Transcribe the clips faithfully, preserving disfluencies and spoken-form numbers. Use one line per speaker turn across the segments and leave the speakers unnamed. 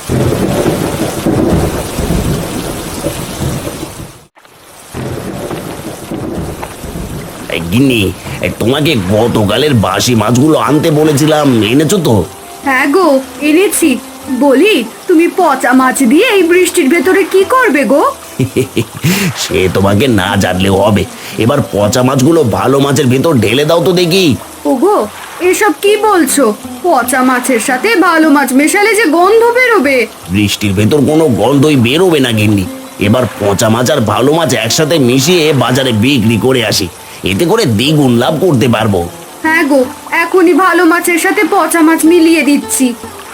গিন্নি, তোমাকে গতকালের বাসি মাছগুলো আনতে বলেছিলাম, এনেছো তো?
হ্যাঁ গো, এনেছি। বলি, তুমি পচা মাছ দিয়ে এই বৃষ্টির ভেতরে কি করবে গো?
সে তোমাকে না জানলেও হবে। এবার পচা মাছগুলো ভালো মাছের ভেতর ঢেলে দাও তো দেখি।
ওগো, এসব কি বলছো? পচা মাছের সাথে ভালো মাছ মেশালে যে গন্ধ বেরোবে।
বৃষ্টির ভেতর কোনো গন্ধই বেরোবে না গিন্নি। এবার পচা মাছ আর ভালো মাছ একসাথে মিশিয়ে বাজারে বিক্রি করে আসি, এতে করে দ্বিগুণ লাভ করতে পারবো।
হ্যাঁ গো, এখনই ভালো মাছের সাথে পচা মাছ মিলিয়ে দিচ্ছি।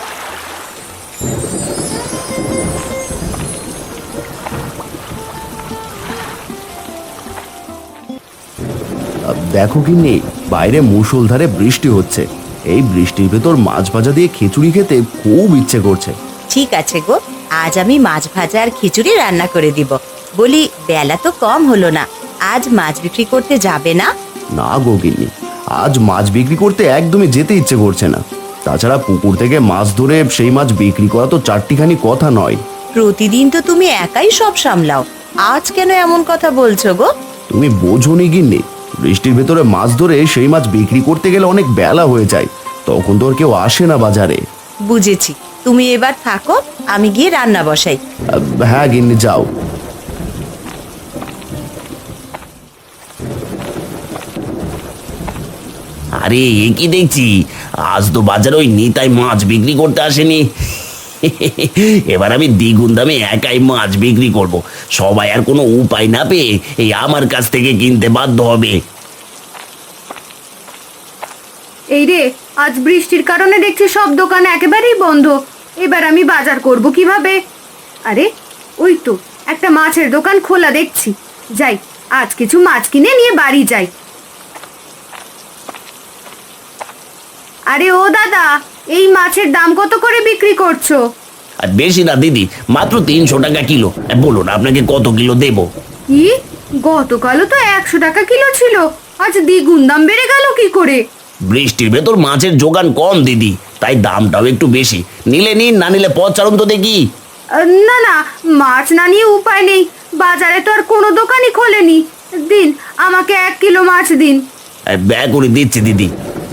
দেখো গিন্নি, বাইরে মুষলধারে বৃষ্টি হচ্ছে। এই বৃষ্টির ভেতর মাছ ভাজা দিয়ে খিচুড়ি খেতে খুব ইচ্ছে করছে।
ঠিক আছে গো, আজ আমি মাছ ভাজা আর খিচুড়ি রান্না করে দিব। বলি, বেলা তো কম হলো না, আজ মাছ বিক্রি করতে যাবে না?
না গো গিন্নি, আজ মাছ বিক্রি করতে একদমই যেতে ইচ্ছে করছে না। তাছাড়া পুকুর থেকে মাছ ধরে সেই মাছ বিক্রি করা তো চারটিখানি কথা নয়।
প্রতিদিন তো তুমি একাই সব সামলাও, আজ কেন এমন কথা বলছো গো?
তুমি বোঝোনি গিন্নি, বৃষ্টির ভেতরে মাছ ধরে সেই মাছ বিক্রি করতে গেলে অনেক বেলা হয়ে যায়, তখন তো আর কেউ আসে না বাজারে।
বুঝেছি, তুমি এবার থাকো, আমি গিয়ে রান্না বসাই।
আহ, হ্যাঁ গিন্নি, যাও।
আরে, এ কি দেখছি, আজ তো বাজারে ওই নিতাই মাছ বিক্রি করতে আসেনি। এবার আমি দ্বিগুণ দামে একাই মাছ বিক্রি করব। সবাই আর কোনো উপায় না পেয়ে এই আমার কাছ থেকে কিনতে বাধ্য হবে।
এই রে, আজ বৃষ্টির কারণে দেখছি সব দোকান একেবারেই বন্ধ। এবার আমি বাজার করব কিভাবে? আরে, ওই তো একটা মাছের দোকান খোলা দেখছি। যাই, আজ কিছু মাছ কিনে নিয়ে বাড়ি যাই। আরে ও দাদা, এই মাছের দাম কত করে বিক্রি করছো?
আর বেশি না দিদি, মাত্র তিনশো টাকা কিলো। বলুন আপনাকে কত কিলো দেব?
কি, গতকালও তো একশো টাকা কিলো ছিল, আজ দ্বিগুণ দাম বেড়ে গেল কি করে?
বৃষ্টির ভেতর মাছের যোগান কম দিদি, তাই দামটাও একটু বেশি। নিলে নিন, না নিলে পথ ছাড়ুন তো দেখি।
আহ, না না, মাছ না নিয়ে উপায় নেই, বাজারে তো আর কোনো দোকানই খোলেনি। দিন, আমাকে এক কিলো মাছ দিন।
ব্যয় করে দিচ্ছি দিদি।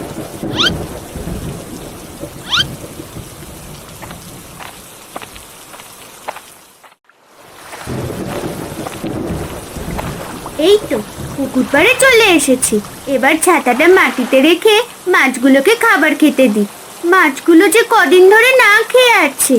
এই তো পুকুর পাড়ে চলে এসেছি। এবার ছাতাটা মাটিতে রেখে মাছগুলোকে খাবার খেতে দিই। মাছগুলো যে কদিন ধরে না খেয়ে আছে।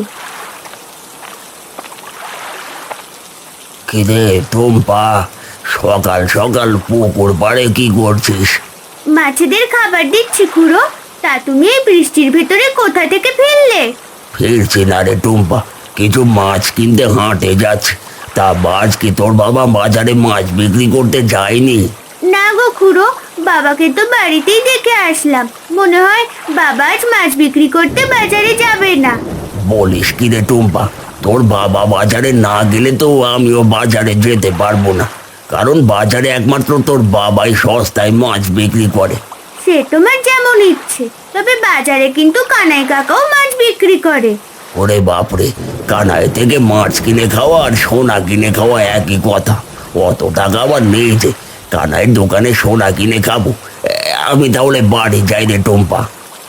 কিরে টুম্পা, সকাল সকাল পুকুর পাড়ে কি করছিস?
মাছেদের খাবার দিচ্ছি খুড়ো। তা তুমি এই বৃষ্টির ভেতরে কোথা থেকে ফিরলে?
ফিরছি না রে টুম্পা, কিছু মাছ কিনতে হাটে যাচ্ছে। তা আজ কি তোর বাবা বাজারে মাছ বিক্রি করতে যায়নি?
না গো খুড়ো, বাবাকে তো বাড়িতেই দেখে আসলাম। মনে হয় বাবা আজ মাছ বিক্রি করতে বাজারে যাবে না।
বলিস কি রে টুম্পা, তোর বাবা বাজারে না গেলে তো আমিও বাজারে যেতে পারবো না, কারণ বাজারে একমাত্র তোর বাবাই সস্তায় মাছ বিক্রি করে।
সে তোমার যেমন ইচ্ছে, তবে বাজারে কিন্তু কানাই কাকাও মাছ বিক্রি করে।
ওরে বাপরে, কানাই থেকে মাছ কিনে খাওয়া আর সোনা কিনে খাওয়া একই কথা। অত টাকা আবার নেই যে কানাইয়ের দোকানে সোনা কিনে খাবো। এ, আমি তাহলে বাড়ি যাই রে টুম্পা।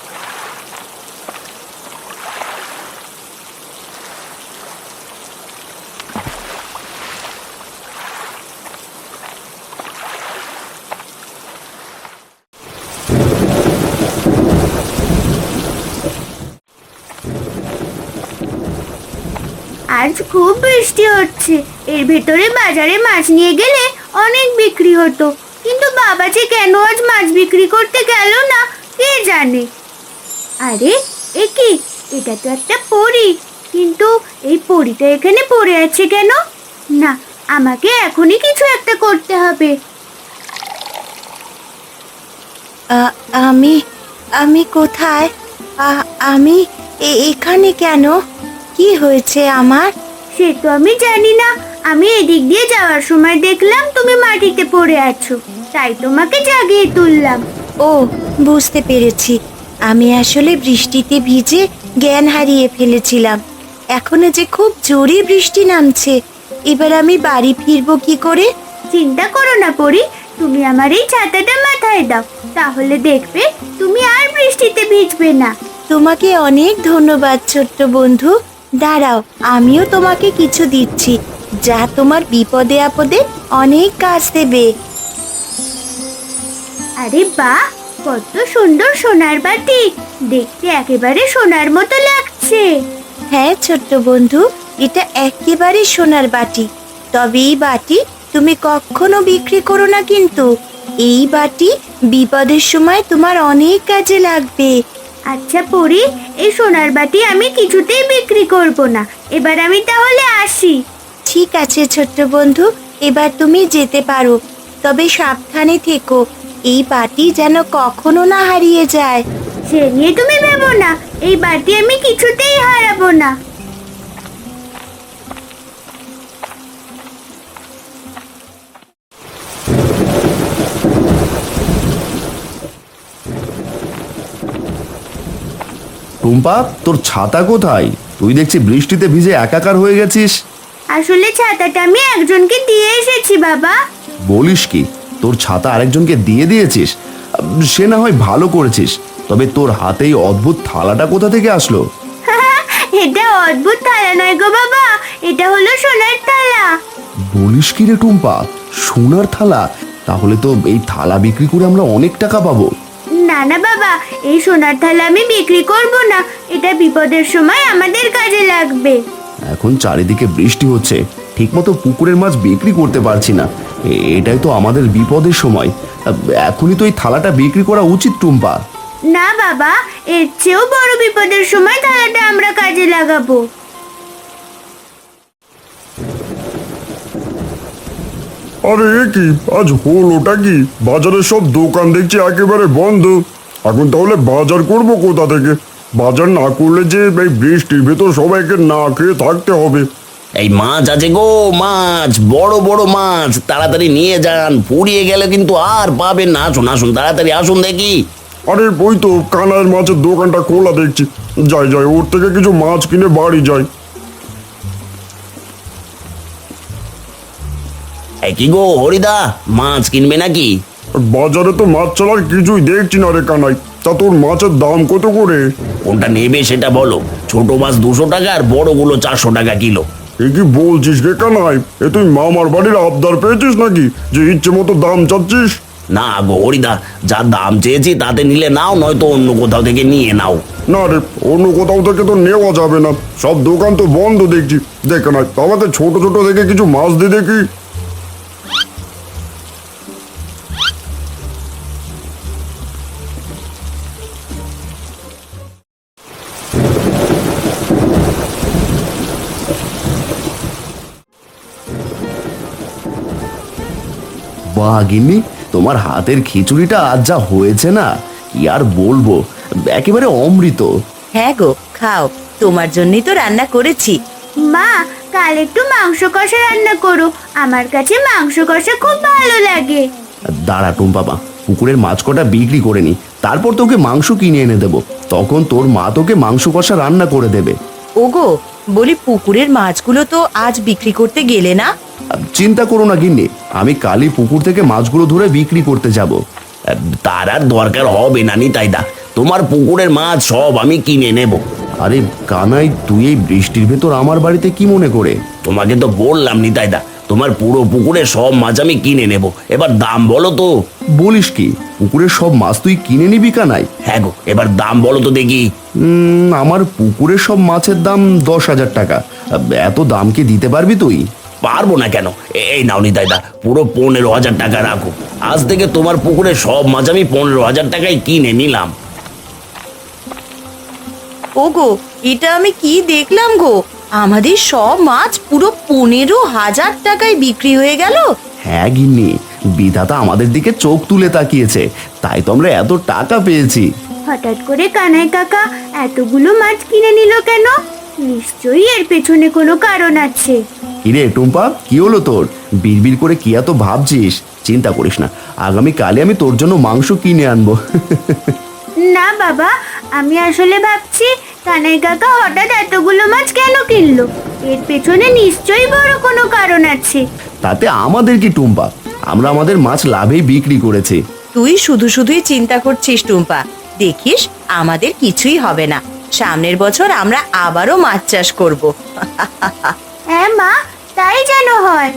আজ খুব বৃষ্টি হচ্ছে, এর ভেতরে বাজারে মাছ নিয়ে গেলে অনেক বিক্রি হতো। কিন্তু বাবা যে কেন আজ মাছ বিক্রি করতে গেল না কে জানে। আরে এ কি, এটা তো একটা পরী, কিন্তু এই পরীটা এখানে পড়ে আছে কেন? না, আমাকে এখনই কিছু একটা করতে হবে।
আ- আমি আমি কোথায়? আ- আমি এ- এখানে কেন? কি হয়েছে আমার?
সে তো আমি জানি না, আমি এদিক দিয়ে যাওয়ার সময় দেখলাম তুমি মাটিতে পড়ে আছো, তাই তোমাকে জাগিয়ে তুললাম।
ও, বুঝতে পেরেছি, আমি আসলে বৃষ্টিতে ভিজে জ্ঞান হারিয়ে ফেলেছিলাম। এখনো যে খুব জোরে বৃষ্টি নামছে। এবার আমি বাড়ি ফিরবো কি করে?
চিন্তা করো না পরি, তুমি আমার এই ছাতাটা মাথায় দাও, তাহলে দেখবে তুমি আর বৃষ্টিতে ভিজবে না।
তোমাকে অনেক ধন্যবাদ ছোট্ট বন্ধু। দাঁড়াও, আমিও তোমাকে কিছু দিচ্ছি, যা তোমার বিপদে আপদে অনেক কাজ দেবে।
আরে বাহ, কত সুন্দর সোনার বাটি, দেখতে একেবারে সোনার মতো লাগছে।
হ্যাঁ ছোট্ট বন্ধু, এটা একেবারে সোনার বাটি। তবে এই বাটি তুমি কখনো বিক্রি করো না কিন্তু। এই বাটি বিপদের সময় তোমার অনেক কাজে লাগবে।
আচ্ছা পরি, এই সোনার বাটি আমি কিছুতেই বিক্রি করব না। এবার আমি তাহলে আসি।
ঠিক আছে ছোট্ট বন্ধু, এবার তুমি যেতে পারো। তবে সাবধানে থেকো, এই বাটি যেন কখনো না হারিয়ে যায়।
সে নিয়ে তুমি ভেবো না, এই বাটি আমি কিছুতেই হারাবো না।
টুম্পা, তোর ছাতা কোথায়? তুই দেখছি বৃষ্টিতে ভিজে একাকার হয়ে গেছিস।
আসলে ছাতাটা আমি একজনকে দিয়ে এসেছি বাবা।
বলিস কি, তোর ছাতা আরেকজনকে দিয়ে দিয়েছিস? সে না হয় ভালো করেছিস, তবে তোর হাতে এই অদ্ভুত থালাটা কোথা থেকে আসলো?
এটা অদ্ভুত থালা নয় গো বাবা, এটা হলো সোনার থালা।
বলিস কি রে টুম্পা, সোনার থালা? তাহলে তো এই থালা বিক্রি করে আমরা অনেক টাকা পাবো।
না না বাবা, এই সোনার থালা আমি বিক্রি করব না, এটা বিপদের সময় আমাদের কাজে লাগবে।
এখন চারিদিকে বৃষ্টি হচ্ছে, ঠিকমতো পুকুরের মাছ বিক্রি করতে পারছি না। এ- এটাই তো আমাদের বিপদের সময়। এখনই তো এই থালাটা বিক্রি করা উচিত টুম্পা।
না বাবা, এর চেয়েও বড় বিপদের সময় থালাটা আমরা কাজে লাগাবো।
আরে এ কি, আজ হলোটা কি? বাজারের সব দোকান দেখছি একেবারে বন্ধ। এখন তাহলে বাজার করব কোথা থেকে? বাজার না করলে যে এই বৃষ্টির ভেতর সবাইকে না খেয়ে থাকতে হবে।
এই মাছ আছে গো, মাছ, বড় বড় মাছ, তাড়াতাড়ি নিয়ে যান, ফুরিয়ে গেলে কিন্তু আর পাবেন না। আসুন আসুন, তাড়াতাড়ি আসুন দেখি।
আরে ওই তো কানাইয়ের মাছের দোকানটা খোলা দেখছি, যাই যাই ওর থেকে কিছু মাছ কিনে বাড়ি যাই।
এই কি গো হরিদা, মাছ কিনবে নাকি?
বাজারে তো মাছ ছাড়ার কিছুই দেখছি না রে কানাই। তা তোর মাছের দাম কত করে?
কোনটা নেবে সেটা বলো। ছোট মাছ দুশো টাকা আর বড়গুলো চারশো টাকা কিলো।
এ কি বলছিস রে কানাই? এ তুই মামার বাড়ির আবদার পেয়েছিস নাকি যে ইচ্ছে মতো দাম চাচ্ছিস?
না গো হরিদা, যা দাম চেয়েছি তাতে নিলে নাও, নয়তো অন্য কোথাও থেকে নিয়ে নাও।
না রে, অন্য কোথাও থেকে তো নেওয়া যাবে না, সব দোকান তো বন্ধ দেখছি। দেখ না, আমাকে ছোট ছোট দেখে কিছু মাছ দিয়ে দেখি।
বাহ গিন্নি, তোমার হাতের খিচুড়িটা আজ যা হয়েছে না, কি আর বলবো, একেবারে অমৃত।
হ্যাঁ গো, খাও, তোমার জন্যই তো রান্না করেছি।
মা, কাল একটু মাংস কষা রান্না করো, আমার কাছে মাংস কষা খুব ভালো লাগে।
দাঁড়া টুম্পা মা, পুকুরের মাছ কটা বিক্রি করে নি, তারপর তোকে মাংস কিনে এনে দেবো। তখন তোর মা তোকে মাংস কষা রান্না করে দেবে।
ওগো, বলি পুকুরের মাছগুলো তো আজ বিক্রি করতে গেলে না?
চিন্তা করো না গিন্নি, আমি কালই পুকুর থেকে মাছগুলো ধরে বিক্রি করতে যাব।
তার আর দরকার হবে না নিতাইদা, তোমার পুকুরের মাছ সব আমি কিনে নেব।
আরে কানাই, তুই এই বৃষ্টির ভেতর আমার বাড়িতে কি মনে করে?
তোমাকে তো বললাম নিতাইদা, তোমার পুরো পুকুরের সব মাছ আমি কিনে নেব। এবার দাম বলো তো।
বলিস কি, পুকুরের সব মাছ তুই কিনে নিবি কানাই?
হ্যাঁ গো, এবার দাম বলো তো দেখি।
উম, আমার পুকুরের সব মাছের দাম দশ হাজার টাকা। এত দাম কি দিতে পারবি তুই?
পারবো না কেন, এই নাও নিতাইদা, পুরো পনেরো হাজার টাকা রাখো। আজ থেকে তোমার পুকুরের সব মাছ আমি পনেরো হাজার টাকায় কিনে নিলাম।
ওগো, এটা আমি কি দেখলাম গো, আমাদের সব মাছ পুরো পনেরো হাজার টাকায় বিক্রি হয়ে গেল।
হ্যাঁ গিন্নি, বিধাতা আমাদের দিকে চোখ তুলে তাকিয়েছে, তাই তো আমরা এত টাকা পেয়েছি।
হঠাৎ করে কানাই কাকা এতগুলো মাছ কিনে নিল কেন? নিশ্চয়ই এর পেছনে কোনো কারণ আছে।
কিরে টুম্পা, কি হলো তোর? বিড়বিড় করে কি এত ভাবছিস? চিন্তা করিস না, আগামী কালে আমি তোর জন্য মাংস কিনে আনবো।
না বাবা, আমি আসলে ভাবছি কানাই কাকা হঠাৎ এতগুলো মাছ কেন কিনলো? এর পেছনে নিশ্চয়ই বড় কোনো কারণ আছে।
তাতে আমাদের কি টুম্পা, আমরা আমাদের মাছ লাভেই বিক্রি করেছি।
তুই শুধু শুধুই চিন্তা করছিস টুম্পা, দেখিস আমাদের কিছুই হবে না। সামনের বছর আমরা আবারও মাছ চাষ করব।
হ্যাঁ মা, তাই যেন হয়।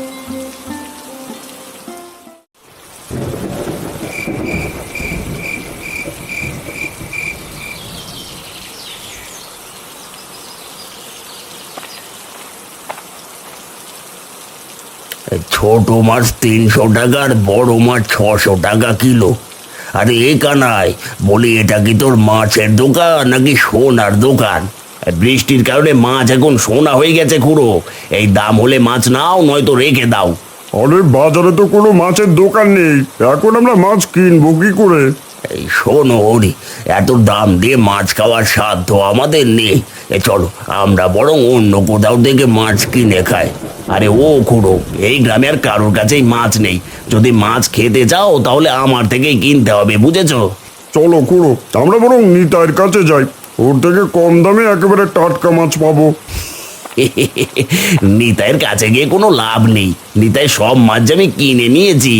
ছোট মাছ তিনশো টাকা আর বড় মাছ ছশো টাকা কিলো। আরে এ কানাই, বলি এটা কি তোর মাছের দোকান নাকি সোনার দোকান? বৃষ্টির কারণে মাছ এখন সোনা হয়ে গেছে খুড়ো। এই দাম হলে মাছ নাও, নয়তো রেখে দাও।
আরে বাজারে তো কোনো মাছের দোকান নেই, এখন আমরা মাছ কিনবো কি করে?
এই শোনো হরি, এত দাম দিয়ে মাছ খাওয়ার সাধ্য আমাদের নেই। এ চলো, আমরা বরং অন্য কোথাও থেকে মাছ কিনে খাই। আরে ও খুড়ো, এই গ্রামে আর কারোর কাছেই মাছ নেই। যদি মাছ খেতে চাও তাহলে আমার থেকেই কিনতে হবে, বুঝেছো?
চলো খুড়ো, আমরা বরং নিতাইয়ের কাছে যাই, ওর থেকে কম দামে একেবারে টাটকা মাছ পাবো।
নিতাইয়ের কাছে গিয়ে কোনো লাভ নেই। নিতাই সব মাছ যে আমি কিনে নিয়েছি।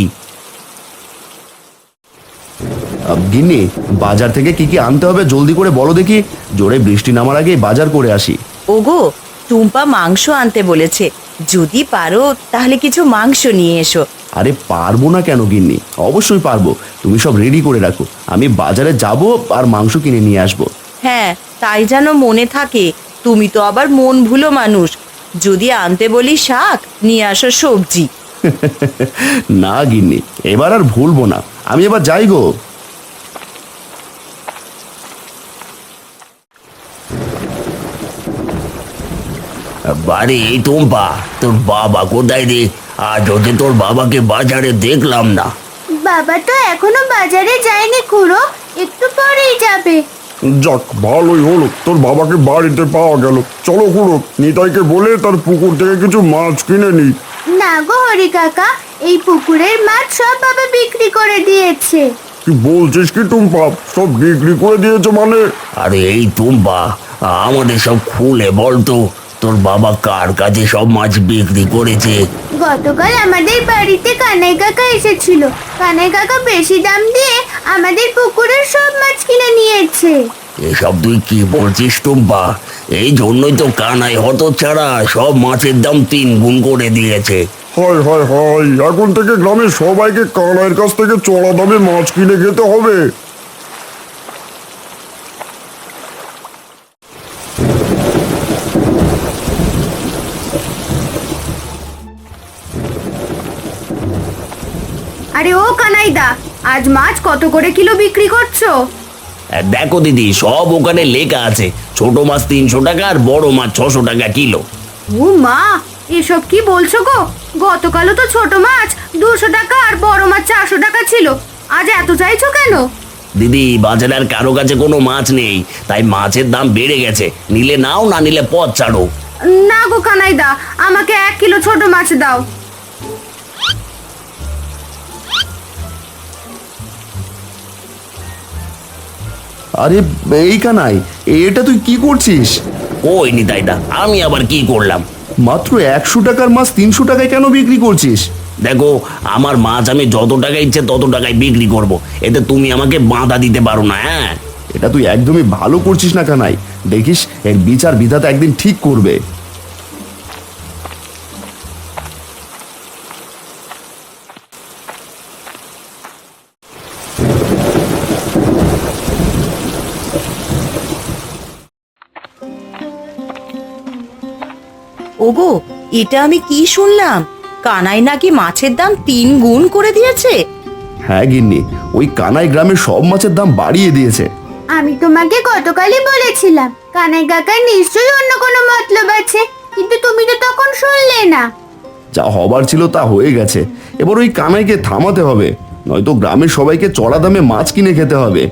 আহ, গিন্নি, বাজার থেকে কি কি আনতে হবে জলদি করে বলো দেখি, জোরে বৃষ্টি নামার আগেই বাজার করে আসি।
ওগো, টুম্পা মাংস আনতে বলেছে, যদি পারো তাহলে কিছু মাংস নিয়ে এসো।
আরে পারবো না কেন গিন্নি, অবশ্যই পারবো। তুমি সব রেডি করে রাখো, আমি বাজারে যাব আর মাংস কিনে নিয়ে আসবো।
হ্যাঁ, তাই যেন মনে থাকে। তুমি তো আবার মন ভুলো মানুষ। যদি আনতে বলি শাক, নিয়ে আসো সবজি।
না গিন্নি, এবার আর ভুলবো না, আমি এবার যাই গো।
বাড়ি এই টুম্পা, তোর বাবা কোথায় রে? আজ ওকে তোর বাবাকে বাজারে দেখলাম না।
বাবা তো এখনো বাজারে যায়নি খুড়ো, একটু পরেই যাবে।
যাক, ভালোই হলো তোর বাবাকে বাড়িতে পাওয়া গেল। চলো খুড়ো, নিতাইকে বলে তার পুকুর থেকে কিছু মাছ কিনে নিই।
না গো হরি কাকা, এই পুকুরের মাছ সব বাবা বিক্রি করে দিয়েছে।
কি বলছিস কি টুম্পা, সব বিক্রি করে দিয়েছে মানে?
আরে এই টুম্পা, আমাদের সব খুলে বলতো, তোর বাবা কার কাছে সব মাছ বিক্রি করেছে?
গতকাল আমাদের বাড়িতে কানাই কাকা এসেছিল। কানাই কাকা বেশি দাম দিয়ে আমাদের পুকুরের সব মাছ কিনে নিয়েছে।
এসব তুই কি বলছিস টুম্পা? এই জন্যই তো কানাই হতচ্ছাড়া সব মাছের দাম তিন গুণ করে দিয়েছে।
হয় হয় হয়, এখন থেকে গ্রামের সবাইকে কানাইয়ের কাছ থেকে চড়া দামে মাছ কিনে খেতে হবে।
আরে ও কানাইদা, আজ মাছ কত করে কিলো বিক্রি করছো?
আর দেখো দিদি, সব ওখানে লেখা আছে, ছোট মাছ তিনশো টাকা আর বড় মাছ ছশো টাকা কিলো।
ও মা, এসব কি বলছো গো? গতকালও তো ছোট মাছ দুশো টাকা আর বড় মাছ চারশো টাকা ছিল, আজ এত চাইছো কেন?
দিদি, বাজারে আর কারো কাছে কোনো মাছ নেই, তাই মাছের দাম বেড়ে গেছে। নিলে নাও, না নিলে পথ ছাড়ো।
না গো কানাইদা, আমাকে এক কিলো ছোট মাছ দাও।
আরে এই কানাই, এটা তুই কি করছিস?
ওই নিতাইদা, আমি আবার কি করলাম?
মাত্র একশো টাকার মাছ তিনশো টাকায় কেন বিক্রি করছিস?
দেখো, আমার মাছ আমি যত টাকা ইচ্ছে তত টাকায় বিক্রি করব, এতে তুমি আমাকে বাধা দিতে পারো না। হ্যাঁ,
এটা তুই একদমই ভালো করছিস না কানাই, দেখিস এর বিচার বিধাতা একদিন ঠিক করবে।
ওগো, এটা আমি কি শুনলাম? কানাই নাকি মাছের দাম তিন গুণ করে দিয়েছে।
হ্যাঁ গিন্নি, ওই কানাই গ্রামের সব মাছের দাম বাড়িয়ে দিয়েছে।
আমি তোমাকে গতকালই বলেছিলাম কানাই কাকার নিশ্চয়ই অন্য কোনো মতলব আছে, কিন্তু তুমি তো তখন শুনলে না।
যা হবার ছিল তা হয়ে গেছে, এবার ওই কানাইকে থামাতে হবে, নয়তো গ্রামের সবাইকে চড়া দামে মাছ কিনে খেতে হবে।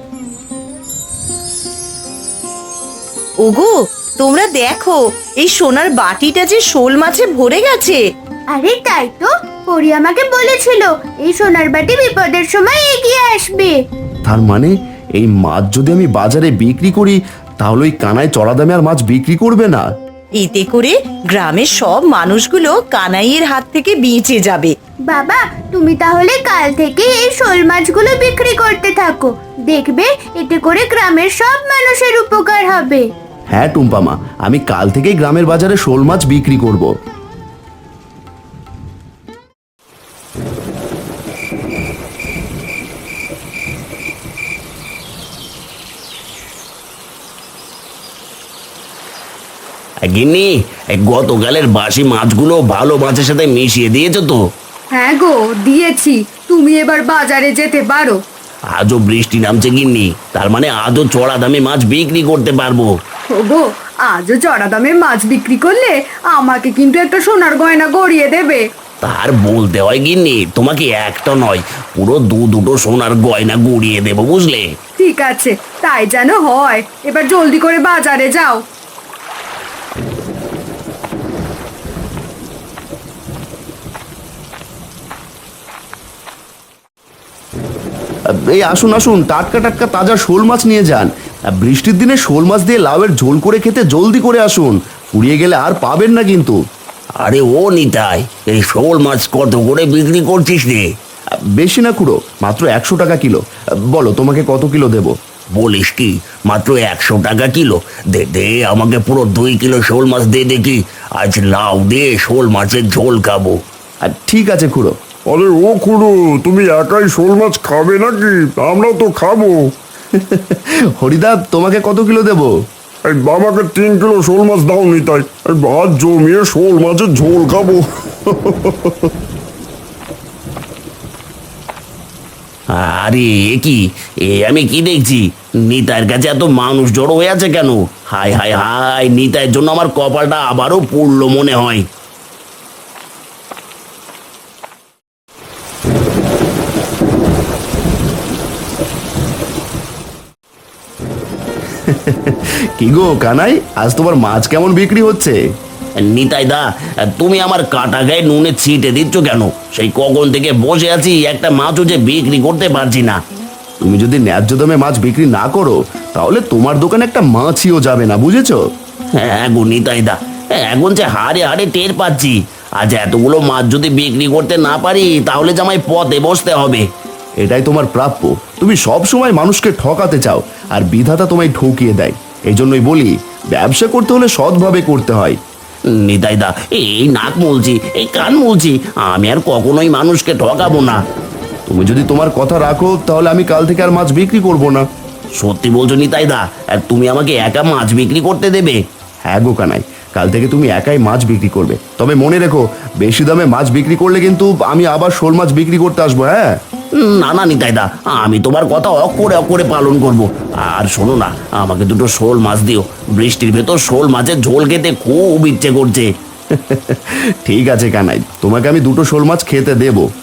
ওগো, তোমরা দেখো, এই সোনার বাটিটা যে শোল মাছে ভরে গেছে।
আরে তাই তো, পরি আমাকে বলেছিল এই সোনার বাটি বিপদের সময় এগিয়ে আসবে।
তার মানে এই মাছ যদি আমি বাজারে বিক্রি করি তাহলে ওই কানায় চড়া দামে আর মাছ বিক্রি করবে না।
এতে করে গ্রামের সব মানুষগুলো কানাইয়ের হাত থেকে বেঁচে যাবে।
বাবা, তুমি তাহলে কাল থেকে এই শোল মাছগুলো বিক্রি করতে থাকো। দেখবে এতে করে গ্রামের সব মানুষের উপকার হবে।
হ্যাঁ টুম্পা মা, আমি কাল থেকেই গ্রামের বাজারে শোল মাছ বিক্রি করব।
গিন্নি, এই গতকালের বাসি মাছগুলো ভালো মাছের সাথে মিশিয়ে দিয়েছো তো?
হ্যাঁ গো, দিয়েছি। তুমি এবার বাজারে যেতে পারো।
আজও বৃষ্টি নামছে গিন্নি, তার মানে আজও চড়া দামে মাছ বিক্রি করতে পারবো।
ওগো, আজও চড়া দামে মাছ বিক্রি করলে আমাকে কিন্তু একটা সোনার গয়না গড়িয়ে দেবে।
তার বলতে হয় গিন্নি, তোমাকে একটা নয় পুরো দু দুটো সোনার গয়না গুড়িয়ে দেবো, বুঝলে?
ঠিক আছে, তাই যেন হয়। এবার জলদি করে বাজারে যাও।
এই আসুন আসুন, টাটকা টাটকা তাজা শোল মাছ নিয়ে যান। বৃষ্টির দিনে শোল মাছ দিয়ে লাউয়ের ঝোল করে খেতে জলদি করে আসুন, ফুরিয়ে গেলে আর পাবেন না কিন্তু।
আরে ও নিতাই, এই শোল মাছ কত করে বিক্রি করছিস রে?
বেশি না খুড়ো, মাত্র একশো টাকা কিলো। বলো তোমাকে কত কিলো দেব?
বলিস কি, মাত্র একশো টাকা কিলো? দে দে আমাকে পুরো দুই কিলো শোল মাছ দে দেখি। আজ লাউ দিয়ে শোল মাছের ঝোল খাবো।
আর ঠিক আছে খুড়ো।
আরে ও খুড়ো, তুমি একাই শোল মাছ খাবে নাকি? আমরাও তো খাবো।
হরিদা, তোমাকে কত কিলো দেব?
এই বাবাকে তিন কিলো শোল মাছ দাও নিতাই, এই ভাত জমিয়ে শোল মাছের ঝোল খাবো।
আরে এ কি, এ আমি কি দেখছি? নিতাইয়ের কাছে এত মানুষ জড়ো হয়ে আছে কেন? হায় হায় হায়, নিতাইয়ের জন্য আমার কপালটা আবারও পুড়লো মনে হয়।
কি গো কানাই, আজ তোমার মাছ কেমন বিক্রি হচ্ছে?
নিতাই দা, তুমি আমার কাটা গায়ে নুনে ছিটে দিচ্ছ কেন? সেই কখন থেকে বসে আছি, একটা মাছও যে বিক্রি করতে পারছি না।
তুমি যদি ন্যায্য দামে মাছ বিক্রি না করো, তাহলে তোমার দোকানে একটা মাছিও যাবে না, বুঝেছো?
হ্যাঁ গো নিতাই দা, এখন যে হাড়ে হাড়ে টের পাচ্ছি, আজ এতগুলো মাছ যদি বিক্রি করতে না পারি, তাহলে যে আমায় পথে বসতে হবে।
এটাই তোমার প্রাপ্য। তুমি সব সময় মানুষকে ঠকাতে চাও, আর বিধাতা তোমায় ঠকিয়ে দেয়। এই জন্যই বলি, ব্যবসা করতে হলে সৎভাবে করতে হয়।
নিতাই দা, এই নাক মুলছি, এই কান মুলছি, আমি আর কখনোই মানুষকে ঠকাবো না।
তুমি যদি তোমার কথা রাখো, তাহলে আমি কাল থেকে আর মাছ বিক্রি করব না।
সত্যি বলছো নিতাই দা? আর তুমি আমাকে একা মাছ বিক্রি করতে দেবে?
হ্যাঁ গো কানাই, কাল থেকে তুমি একাই মাছ বিক্রি করবে। তবে মনে রেখো, বেশি দামে মাছ বিক্রি করলে কিন্তু আমি আবার শোল মাছ বিক্রি করতে আসবো। হ্যাঁ,
না না নিতাই দা, আমি তোমার কথা অক্ষরে অক্ষরে পালন করব। আর শোনো না, আমাকে দুটো শোল মাছ দিও। বৃষ্টির ভেতর শোল মাছের ঝোল খেতে খুব ইচ্ছে করছে।
ঠিক আছে কানাই, তোমাকে আমি দুটো শোল মাছ খেতে দেবো।